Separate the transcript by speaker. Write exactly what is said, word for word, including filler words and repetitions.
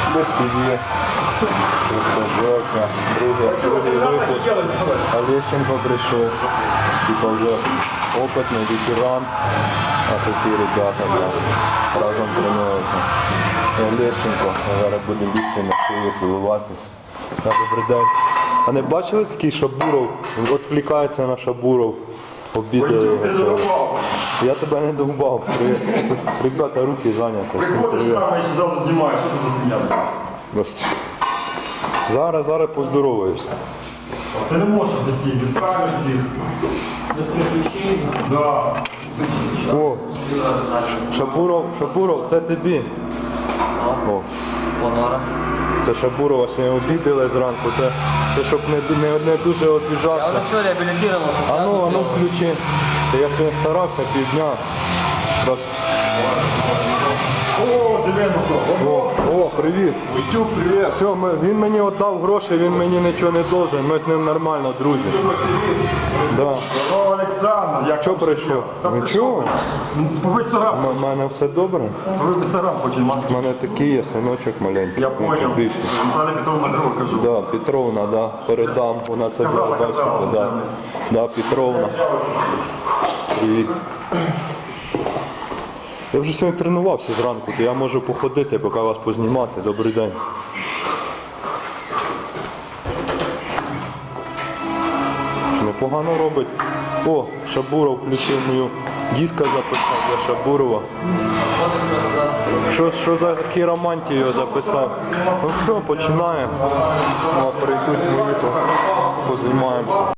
Speaker 1: Бет ТВ, Жека, другий, другий випуск. Олещенко прийшов, типа вже опитний ветеран, а це ці ребята да, разом тренуються. Олещенко, зараз буде лізти на шию, цілуватись. Так, добрий день. А не бачили такий Шабуров? Він відвлікається на Шабуров. Обідає його сьогодні. Я тебе не довбав. Ребята, руки зайняті. Всім привіт.
Speaker 2: Завтра знімаю, що ти за фігня?
Speaker 1: Зараз, зараз поздороваюся.
Speaker 2: Ти не можеш без цих, без камер цих.
Speaker 3: Без приключень.
Speaker 2: Да.
Speaker 1: О, Шабуров, Шабуров, це тобі. О,
Speaker 3: Понора.
Speaker 1: це Шабурова сьогодні обідали зранку. Це, це щоб не, не, не дуже
Speaker 3: Я
Speaker 1: обіжався.
Speaker 3: вже все реабілітувався.
Speaker 1: А ну, а ну включи. Це я сьогодні старався півдня. Просто.
Speaker 2: О, Девенко.
Speaker 1: О, о, привіт.
Speaker 2: Витюк, привіт.
Speaker 1: Все, ми, він мені віддав гроші, він мені нічого не должен. Ми з ним нормально, друзі. Да.
Speaker 2: О, Олександр, як
Speaker 1: Що прийшов? Нічого.
Speaker 2: Побий старам.
Speaker 1: У мене все добре.
Speaker 2: Побий старам, хоче
Speaker 1: У
Speaker 2: маски.
Speaker 1: мене такий є синочок маленький.
Speaker 2: Я
Speaker 1: ну, це
Speaker 2: понял.
Speaker 1: більше.
Speaker 2: Наталя Петровна друга кажу.
Speaker 1: Да, Петровна, да, передам. Вона це
Speaker 2: Казала,
Speaker 1: буде бачити.
Speaker 2: казала.
Speaker 1: Да. Да, Петровна. Привіт. Я вже сьогодні тренувався зранку, то я можу походити, поки вас познімати. Добрий день. Непогано робить. О, Шабуров включив мою диска записав для Шабурова. Що, що за хіромантію записав? Ну все, починаємо. Ну, прийдуть мої, то позаймаємося.